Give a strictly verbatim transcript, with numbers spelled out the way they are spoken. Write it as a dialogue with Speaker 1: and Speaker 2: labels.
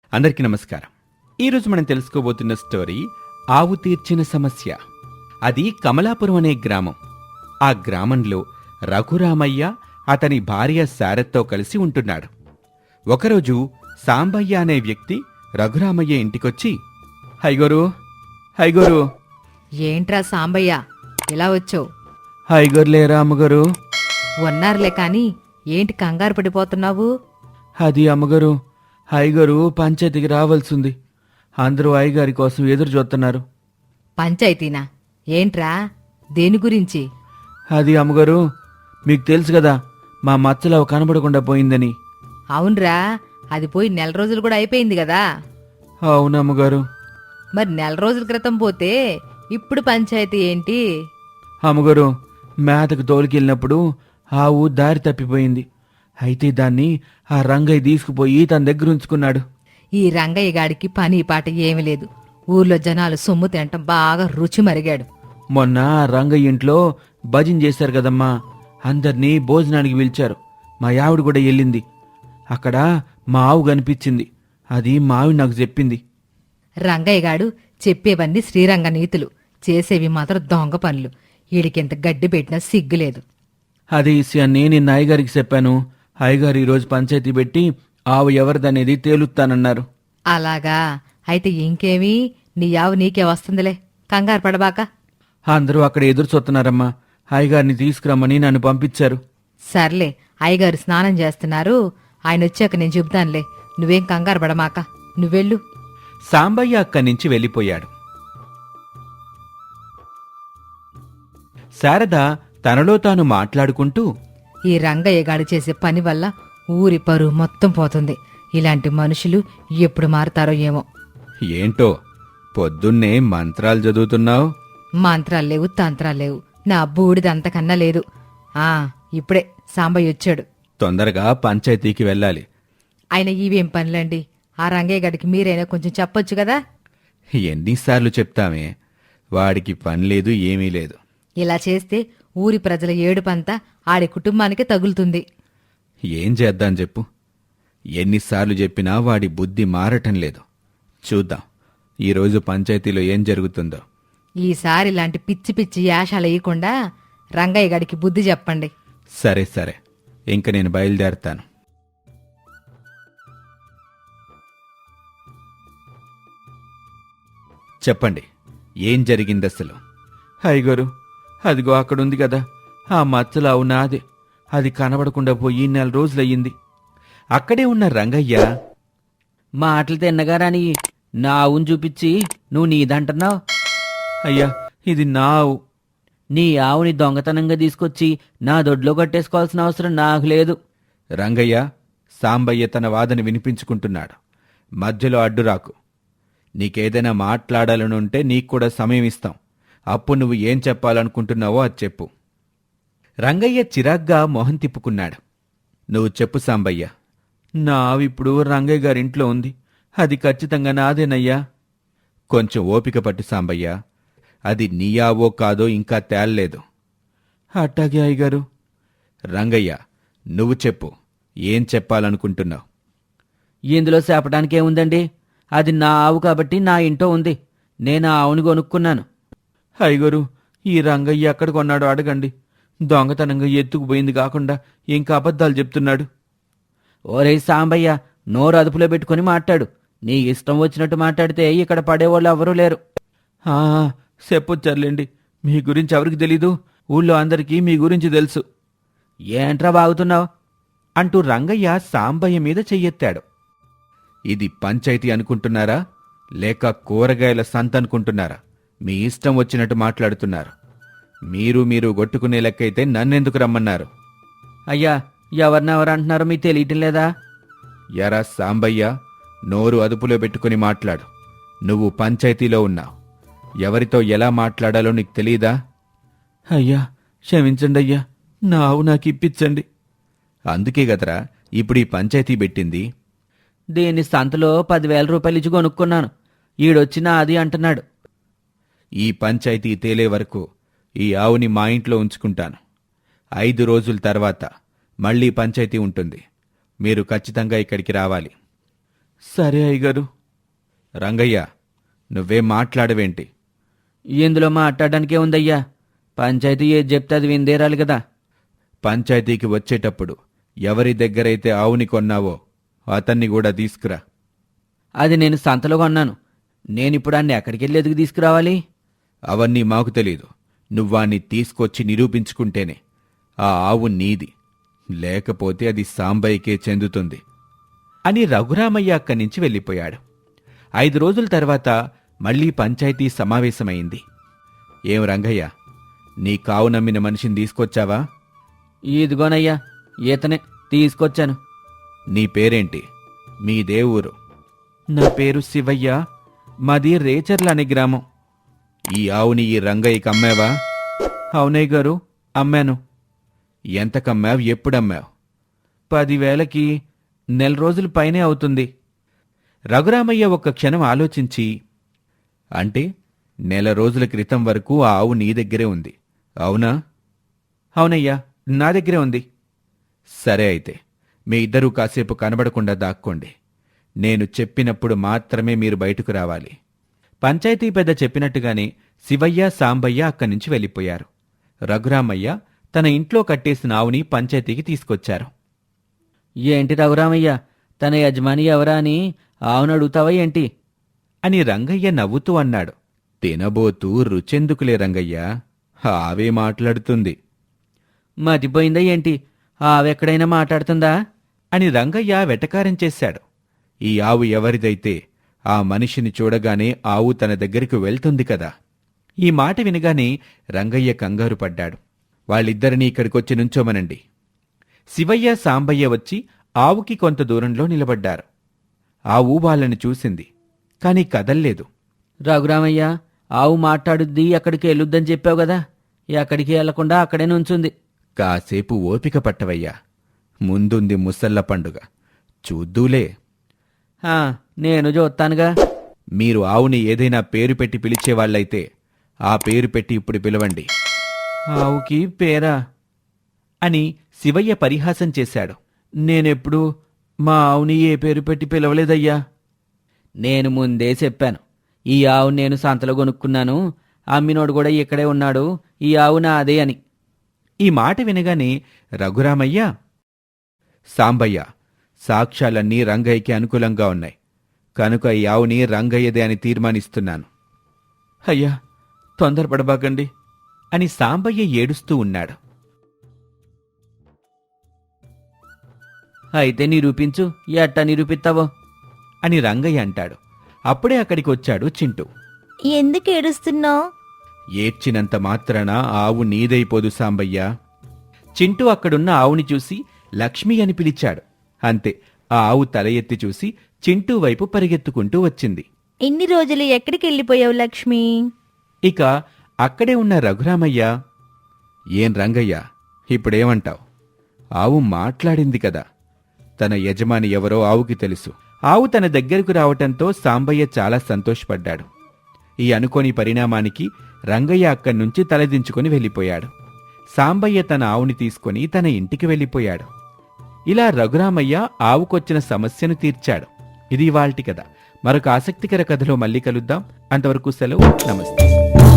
Speaker 1: అందరికీ నమస్కారం. ఈరోజు మనం తెలుసుకోబోతున్న స్టోరీ ఆవు తీర్చిన సమస్య. అది కమలాపురం అనే గ్రామం. ఆ గ్రామంలో రఘురామయ్య అతని భార్య శారదతో కలిసి ఉంటున్నాడు. ఒకరోజు సాంబయ్య అనే వ్యక్తి రఘురామయ్య ఇంటికొచ్చి, హైగోరు హైగోరు
Speaker 2: ఏంట్రా సాంబయ్య ఇలా వచ్చావు?
Speaker 1: హైగోర్లేరా అమ్మగారు?
Speaker 2: ఉన్నారులే కాని ఏంటి కంగారు పడిపోతున్నావు?
Speaker 1: అది అమ్మగారు, హైగారు పంచాయతీకి రావాల్సింది. అందరూ అయ్యగారి కోసం ఎదురు చూస్తున్నారు.
Speaker 2: పంచాయతీనా? ఏంట్రా, దేని గురించి?
Speaker 1: అది అమ్మగారు, మీకు తెలుసు కదా మా మచ్చలవ కనబడకుండా పోయిందని.
Speaker 2: అవునరా, అది పోయి నెల రోజులు కూడా అయిపోయింది కదా.
Speaker 1: అవునమ్మగారు.
Speaker 2: మరి నెల రోజుల క్రితం పోతే ఇప్పుడు పంచాయతీ ఏంటి?
Speaker 1: అమ్మగారు, మేతకు తోలికెళ్ళినప్పుడు ఆవు దారి తప్పిపోయింది. అయితే దాన్ని ఆ రంగయ్య తీసుకుపోయి తన దగ్గర ఉంచుకున్నాడు.
Speaker 2: ఈ రంగయ్య గాడికి పని పాట ఏమీ లేదు. ఊర్లో జనాలు సొమ్ము తినటం బాగా రుచి మరిగాడు.
Speaker 1: మొన్న ఆ రంగయ్య ఇంట్లో భజన చేశారు కదమ్మా, అందరినీ భోజనానికి పిలిచారు. మా ఆవిడ కూడా వెళ్ళింది. అక్కడ మా ఆవు కనిపించింది. అది మా ఆవిడ నాకు చెప్పింది.
Speaker 2: రంగయ్య గాడు చెప్పేవన్నీ శ్రీరంగ నీతులు, చేసేవి మాత్రం దొంగ పనులు. ఈడికింత గడ్డి పెట్టినా సిగ్గులేదు.
Speaker 1: అదే విషయాన్ని నిన్న అయ్యగారికి చెప్పాను. అయ్యగారు ఈరోజు పంచాయతీ పెట్టి ఆవు ఎవరిదనేది తేలుస్తానన్నారు.
Speaker 2: అలాగా? అయితే ఇంకేమీ, నీ ఆవు నీకే వస్తుందిలే, కంగారు పడబాక.
Speaker 1: అందరూ అక్కడ ఎదురు చూస్తున్నారమ్మా. అయ్యగారిని తీసుకురమ్మని నన్ను పంపించారు.
Speaker 2: సర్లే, అయ్యగారు స్నానం చేస్తున్నారు, ఆయన వచ్చాక నేను చెబుతానులే. నువ్వేం కంగారు పడమాక, నువ్వెళ్ళు.
Speaker 1: సాంబయ్య అక్కడి నుంచి వెళ్ళిపోయాడు. శారద తనలో తాను మాట్లాడుకుంటూ,
Speaker 2: ఈ రంగయ్య గాడు చేసే పని వల్ల ఊరి పరువు మొత్తం పోతుంది. ఇలాంటి మనుషులు ఎప్పుడు మారతారో ఏమో.
Speaker 1: ఏంటో పొద్దున్నే మంత్రాలు చదువుతున్నావు?
Speaker 2: మంత్రాలు లేవు, తంత్రాలు లేవు, నా బూడిదంతకన్నా లేదు. ఆ ఇప్పుడే సాంబయ్య వచ్చాడు.
Speaker 1: తొందరగా పంచాయతీకి వెళ్ళాలి.
Speaker 2: ఆయన ఇవేం పనులండి? ఆ రంగయ్య గడికి మీరైనా కొంచెం చెప్పొచ్చు కదా.
Speaker 1: ఎన్నిసార్లు చెప్తామే, వాడికి పని లేదు, ఏమీ లేదు.
Speaker 2: ఇలా చేస్తే ఊరి ప్రజల ఏడుపంతా ఆడి కుటుంబానికే తగులుతుంది.
Speaker 1: ఏం చేద్దాం చెప్పు. ఎన్నిసార్లు చెప్పినా వాడి బుద్ధి మారటం లేదు. చూద్దాం ఈరోజు పంచాయతీలో ఏం జరుగుతుందో.
Speaker 2: ఈసారి ఇలాంటి పిచ్చి పిచ్చి యాషాలు వేయకుండా రంగయ్య గడికి బుద్ధి చెప్పండి.
Speaker 1: సరే సరే, ఇంక నేను బయలుదేరతాను. చెప్పండి, ఏం జరిగింది అసలు? హైగారు, అదిగో అక్కడుంది కదా ఆ మచ్చలావు నాదే. అది కనబడకుండా పోయి నెల రోజులయ్యింది. అక్కడే ఉన్న రంగయ్య,
Speaker 3: మాటలు తిన్నగారాని నా ఆవును చూపించి నువ్వు నీదంటున్నావు.
Speaker 1: అయ్యా, ఇది నా ఆవు.
Speaker 3: నీ ఆవుని దొంగతనంగా తీసుకొచ్చి నా దొడ్లో కట్టేసుకోవాల్సిన అవసరం నాకు లేదు.
Speaker 1: రంగయ్య, సాంబయ్య తన వాదన వినిపించుకుంటున్నాడు. మధ్యలో అడ్డురాకు. నీకేదైనా మాట్లాడాలనుంటే నీకు కూడా సమయం ఇస్తాం. అప్పుడు నువ్వు ఏం చెప్పాలనుకుంటున్నావో అది చెప్పు. రంగయ్య చిరాగ్గా మొహం తిప్పుకున్నాడు. నువ్వు చెప్పు సాంబయ్య. నా ఆవు ఇప్పుడు రంగయ్య గారింట్లో ఉంది. అది ఖచ్చితంగా నాదేనయ్యా. కొంచెం ఓపిక పట్టు సాంబయ్య. అది నీ ఆవో కాదో ఇంకా తేల్లేదు. అట్టాగే అయ్యగారు. రంగయ్య, నువ్వు చెప్పు, ఏం చెప్పాలనుకుంటున్నావు?
Speaker 3: ఇందులో చెప్పడానికి ఏముందండి? అది నా ఆవు కాబట్టి నా ఇంట్లో ఉంది. నేను ఆ ఆవుని కొనుక్కున్నాను.
Speaker 1: అయ్యగారు, ఈ రంగయ్య ఎక్కడ కొన్నాడో అడగండి. దొంగతనంగా ఎత్తుకుపోయింది కాకుండా ఇంకా అబద్ధాలు చెప్తున్నాడు.
Speaker 3: ఓరే సాంబయ్య, నోరు అదుపులో పెట్టుకుని మాట్లాడు. నీ ఇష్టం వచ్చినట్టు మాట్లాడితే ఇక్కడ పడేవాళ్ళు ఎవరూ లేరు.
Speaker 1: ఆ చెప్పొచ్చారులేండి. మీ గురించి ఎవరికి తెలీదు? ఊళ్ళో అందరికీ మీ గురించి తెలుసు.
Speaker 3: ఏంట్రా బాగుతున్నావు
Speaker 1: అంటూ రంగయ్య సాంబయ్య మీద చెయ్యెత్తాడు. ఇది పంచాయతీ అనుకుంటున్నారా, లేక కూరగాయల సంత అనుకుంటున్నారా? మీ ఇష్టం వచ్చినట్టు మాట్లాడుతున్నారు. మీరు మీరు గొట్టుకునే లెక్కైతే నన్నెందుకు రమ్మన్నారు?
Speaker 3: అయ్యా, ఎవరినెవరు అంటున్నారో మీకు తెలియటం లేదా?
Speaker 1: ఎరా సాంబయ్య, నోరు అదుపులో పెట్టుకుని మాట్లాడు. నువ్వు పంచాయతీలో ఉన్నావు. ఎవరితో ఎలా మాట్లాడాలో నీకు తెలీదా? అయ్యా, క్షమించండి అయ్యా, నా ఆవు నాకు ఇప్పించండి. అందుకే గదరా ఇప్పుడు ఈ పంచాయతీ పెట్టింది.
Speaker 3: దీన్ని సంతలో పదివేల రూపాయలు ఇచ్చి కొనుక్కున్నాను. ఈడొచ్చినా అది అంటున్నాడు.
Speaker 1: ఈ పంచాయతీ తేలే వరకు ఈ ఆవుని మా ఇంట్లో ఉంచుకుంటాను. ఐదు రోజుల తర్వాత మళ్లీ పంచాయతీ ఉంటుంది. మీరు ఖచ్చితంగా ఇక్కడికి రావాలి. సరే అయ్యగారు. రంగయ్య, నువ్వేం మాట్లాడవేంటి?
Speaker 3: ఇందులో మాట్లాడడానికే ఉందయ్యా. పంచాయతీ ఏది చెప్తే అది విందేరాలి కదా.
Speaker 1: పంచాయతీకి వచ్చేటప్పుడు ఎవరి దగ్గరైతే ఆవుని కొన్నావో అతన్ని కూడా తీసుకురా.
Speaker 3: అది నేను సంతలో కొన్నాను. నేనిప్పుడు అన్ని ఎక్కడికి వెళ్ళి ఎదుగు తీసుకురావాలి?
Speaker 1: అవన్నీ మాకు తెలీదు. నువ్వాన్ని తీసుకొచ్చి నిరూపించుకుంటేనే ఆ ఆవు నీది, లేకపోతే అది సాంబయ్యకే చెందుతుంది అని రఘురామయ్య అక్కడి నుంచి వెళ్ళిపోయాడు. ఐదు రోజుల తర్వాత మళ్లీ పంచాయతీ సమావేశమైంది. ఏం రంగయ్య, నీ కావు నమ్మిన మనిషిని తీసుకొచ్చావా?
Speaker 3: ఇదిగోనయ్యా, ఈతనే తీసుకొచ్చాను.
Speaker 1: నీ పేరేంటి? మీదే ఊరు? నా పేరు శివయ్య, మాది రేచర్ల అనే గ్రామం. ఈ ఆవుని ఈ రంగయ్యకి అమ్మావా? అవునయ్య గారు, అమ్మాను. ఎంతకమ్మావు? ఎప్పుడమ్మావు? పదివేలకి. నెల రోజుల పైనే అవుతుంది. రఘురామయ్య ఒక్క క్షణం ఆలోచించి, అంటే నెల రోజుల క్రితం వరకు ఆ ఆవు నీ దగ్గరే ఉంది, అవునా? అవునయ్యా, నా దగ్గరే ఉంది. సరే అయితే మీ ఇద్దరూ కాసేపు కనబడకుండా దాక్కోండి. నేను చెప్పినప్పుడు మాత్రమే మీరు బయటకు రావాలి. పంచాయతీ పెద్ద చెప్పినట్టుగానే శివయ్య, సాంబయ్య అక్కడి నుంచి వెళ్ళిపోయారు. రఘురామయ్య తన ఇంట్లో కట్టేసిన ఆవుని పంచాయతీకి తీసుకొచ్చారు.
Speaker 3: ఏంటి రఘురామయ్య, తన యజమాని ఎవరా అని ఆవును అడుగుతావా ఏంటి?
Speaker 1: అని రంగయ్య నవ్వుతూ అన్నాడు. తినబోతూ రుచెందుకులే రంగయ్య, ఆవే మాట్లాడుతుంది.
Speaker 3: మతిపోయిందా ఏంటి? ఆవెక్కడైనా మాట్లాడుతుందా?
Speaker 1: అని రంగయ్య వెటకారం చేశాడు. ఈ ఆవు ఎవరిదైతే ఆ మనిషిని చూడగానే ఆవు తన దగ్గరికి వెళ్తుంది కదా. ఈ మాట వినగానే రంగయ్య కంగారు పడ్డాడు. వాళ్ళిద్దరినీ ఇక్కడికొచ్చి నుంచోమనండి. శివయ్య, సాంబయ్య వచ్చి ఆవుకి కొంత దూరంలో నిలబడ్డారు. ఆవు వాళ్ళని చూసింది, కాని కదల్లేదు.
Speaker 3: రఘురామయ్య, ఆవు మాట్లాడుద్ది, అక్కడికి వెళ్ళొద్దని చెప్పావు కదా, ఎక్కడికి వెళ్లకుండా అక్కడే నుంచుంది.
Speaker 1: కాసేపు ఓపిక పట్టవయ్యా, ముందుంది ముసళ్ళ పండుగ, చూద్దూలే.
Speaker 3: ఆ, నేను చూస్తానుగా.
Speaker 1: మీరు ఆవుని ఏదైనా పేరు పెట్టి పిలిచేవాళ్లైతే ఆ పేరు పెట్టి ఇప్పుడు పిలవండి. ఆవుకి పేరా అని శివయ్య పరిహాసం చేశాడు. నేనెప్పుడు మా ఆవుని ఏ పేరు పెట్టి పిలవలేదయ్యా.
Speaker 3: నేను ముందే చెప్పాను, ఈ ఆవు నేను సంతలో కొనుక్కున్నాను, అమ్మినోడు కూడా ఇక్కడే ఉన్నాడు, ఈ ఆవు నాదే అని.
Speaker 1: ఈ మాట వినగానే రఘురామయ్య, సాంబయ్య, సాక్ష్యాలన్నీ రంగయ్యకి అనుకూలంగా ఉన్నాయి కనుక ఈ ఆవుని రంగయ్యదే అని తీర్మానిస్తున్నాను. అయ్యా, తొందరపడబాకండి అని సాంబయ్య ఏడుస్తూ ఉన్నాడు.
Speaker 3: అయితే నిరూపించు, ఎట్టా నిరూపిస్తావో
Speaker 1: అని రంగయ్య అంటాడు. అప్పుడే అక్కడికి వచ్చాడు చింటూ.
Speaker 4: ఎందుకు ఏడుస్తున్నావు?
Speaker 1: ఏడ్చినంత మాత్రాన ఆవు నీదైపోదు సాంబయ్య. చింటూ అక్కడున్న ఆవుని చూసి లక్ష్మి అని పిలిచాడు. అంతే, ఆ ఆవు తల ఎత్తి చూసి చింటూ వైపు పరిగెత్తుకుంటూ వచ్చింది.
Speaker 4: ఇన్ని రోజులు ఎక్కడికి వెళ్ళిపోయావు లక్ష్మి?
Speaker 1: ఇక అక్కడే ఉన్న రఘురామయ్య, ఏం రంగయ్య, ఇప్పుడేమంటావు? ఆవు మాట్లాడింది కదా. తన యజమాని ఎవరో ఆవుకి తెలుసు. ఆవు తన దగ్గరకు రావటంతో సాంబయ్య చాలా సంతోషపడ్డాడు. ఈ అనుకోని పరిణామానికి రంగయ్య అక్కడి నుంచి తలదించుకుని వెళ్ళిపోయాడు. సాంబయ్య తన ఆవుని తీసుకుని తన ఇంటికి వెళ్ళిపోయాడు. ఇలా రఘురామయ్య ఆవుకొచ్చిన సమస్యను తీర్చాడు. ఇది ఇవాల్టి కథ. మరొక ఆసక్తికర కథలో మళ్ళీ కలుద్దాం. అంతవరకు సెలవు, నమస్తే.